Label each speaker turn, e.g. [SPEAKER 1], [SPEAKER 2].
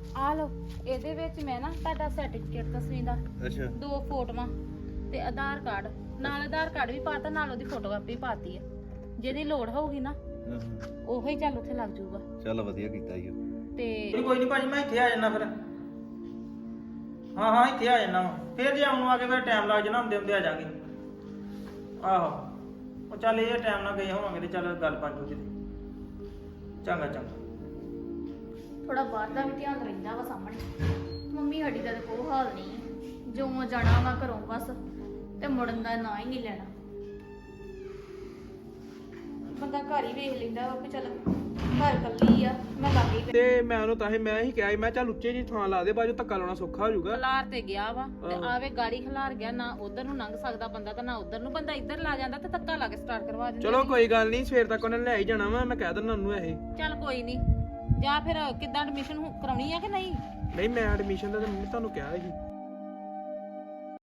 [SPEAKER 1] ਆ ਲੋ ਇਹਦੇ ਵਿੱਚ ਮੈਂ ਨਾ ਤੁਹਾਡਾ ਸਰਟੀਫਿਕੇਟ ਦਸਵੀਂ ਦਾ
[SPEAKER 2] ਅੱਛਾ
[SPEAKER 1] 2 ਫੋਟੋਆਂ ਤੇ ਆਧਾਰ ਕਾਰਡ ਨਾਲ ਆਧਾਰ ਕਾਰਡ ਵੀ ਪਾਤਾ ਨਾਲ ਉਹਦੀ ਫੋਟੋ ਕਾਪੀ ਪਾਤੀ ਆ ਜਿਹਦੀ ਲੋੜ ਹੋਊਗੀ ਨਾ ਉਹੋ ਹੀ ਚੱਲ ਉੱਥੇ ਲੱਗ ਜਾਊਗਾ।
[SPEAKER 2] ਚੱਲ ਵਧੀਆ ਕੀਤਾ ਈ
[SPEAKER 1] ਤੇ
[SPEAKER 3] ਕੋਈ ਨਹੀਂ ਭਾਜੀ ਮੈਂ ਇੱਥੇ ਆ ਜਾਣਾ ਫਿਰ। ਹਾਂ ਇੱਥੇ ਆ ਜਾਣਾ ਫਿਰ ਜੇ ਆਉਣ ਨੂੰ ਆ ਕੇ ਫਿਰ ਟਾਈਮ ਲੱਗ ਜਾਣਾ ਹੁੰਦੇ ਹੁੰਦੇ ਆ ਜਾਾਂਗੇ। ਆਹੋ ਉਹ ਚੱਲ ਇਹ ਟਾਈਮ ਨਾਲ ਗਏ ਹੋਵਾਂਗੇ ਤੇ ਚੱਲ ਗੱਲ ਬਣ ਜੂਗੀ। ਚੰਗਾ ਚੰਗਾ।
[SPEAKER 1] ਥੋੜਾ ਬਾਹਰ ਦਾ ਵੀ ਧਿਆਨ ਰਹਿੰਦਾ ਵਾ ਸਾਹਮਣੇ। ਮੰਮੀ ਸਾਡੀ ਦਾ ਤਾਂ ਕੋਈ ਹਾਲ ਨਹੀਂ, ਜੋ ਜਾਣਾ ਵਾ ਘਰੋਂ ਬਸ ਤੇ ਮੁੜਨ ਦਾ ਨਾਂ ਹੀ ਨਹੀਂ ਲੈਣਾ। ਬੰਦਾ ਘਰ ਹੀ ਵੇਖ ਲੈਂਦਾ ਵਾ ਵੀ ਚੱਲ ਘਰ ਕੱਲੀ ਆ ਮੈਂ ਲੱਗ ਹੀ
[SPEAKER 4] ਤੇ ਮੈਂ ਉਹਨੂੰ ਤਾਂ ਹੀ ਕਿਹਾ ਸੀ ਮੈਂ ਚੱਲ ਉੱਚੇ ਜੀ ਥਾਂ ਲਾ ਦੇ ਬਾਜੂ ਧੱਕਾ ਲਾਉਣਾ ਸੌਖਾ ਹੋ ਜਾਊਗਾ।
[SPEAKER 1] ਖਲਾਰ ਤੇ ਗਿਆ ਵਾ ਤੇ ਆਵੇ ਗਾੜੀ ਖਲਾਰ ਗਿਆ ਨਾ ਉਧਰ ਨੂੰ ਲੰਘ ਸਕਦਾ ਬੰਦਾ ਤੇ ਨਾ ਉਧਰ ਨੂੰ। ਬੰਦਾ ਇੱਧਰ ਲਾ ਜਾਂਦਾ ਤੇ ਧੱਕਾ ਲਾ ਕੇ ਸਟਾਰਟ ਕਰਵਾ ਦਿੰਦਾ।
[SPEAKER 4] ਚਲੋ ਕੋਈ ਗੱਲ ਨਹੀਂ ਸਵੇਰ ਤੱਕ ਉਹਨੇ ਲੈ ਹੀ ਜਾਣਾ ਵਾ, ਮੈਂ ਕਹਿ ਦਿੰਦਾ ਉਹਨੂੰ ਇਹ।
[SPEAKER 1] ਚੱਲ ਕੋਈ ਨਹੀਂ। ਜਾਂ ਫਿਰ ਕਿੱਦਾਂ ਐਡਮਿਸ਼ਨ ਕਰਾਉਣੀ ਆ ਕਿ ਨਹੀਂ?
[SPEAKER 4] ਨਹੀਂ ਮੈਂ ਐਡਮਿਸ਼ਨ ਦਾ ਤਾਂ ਮੰਮੀ ਤੁਹਾਨੂੰ ਕਿਹਾ ਸੀ।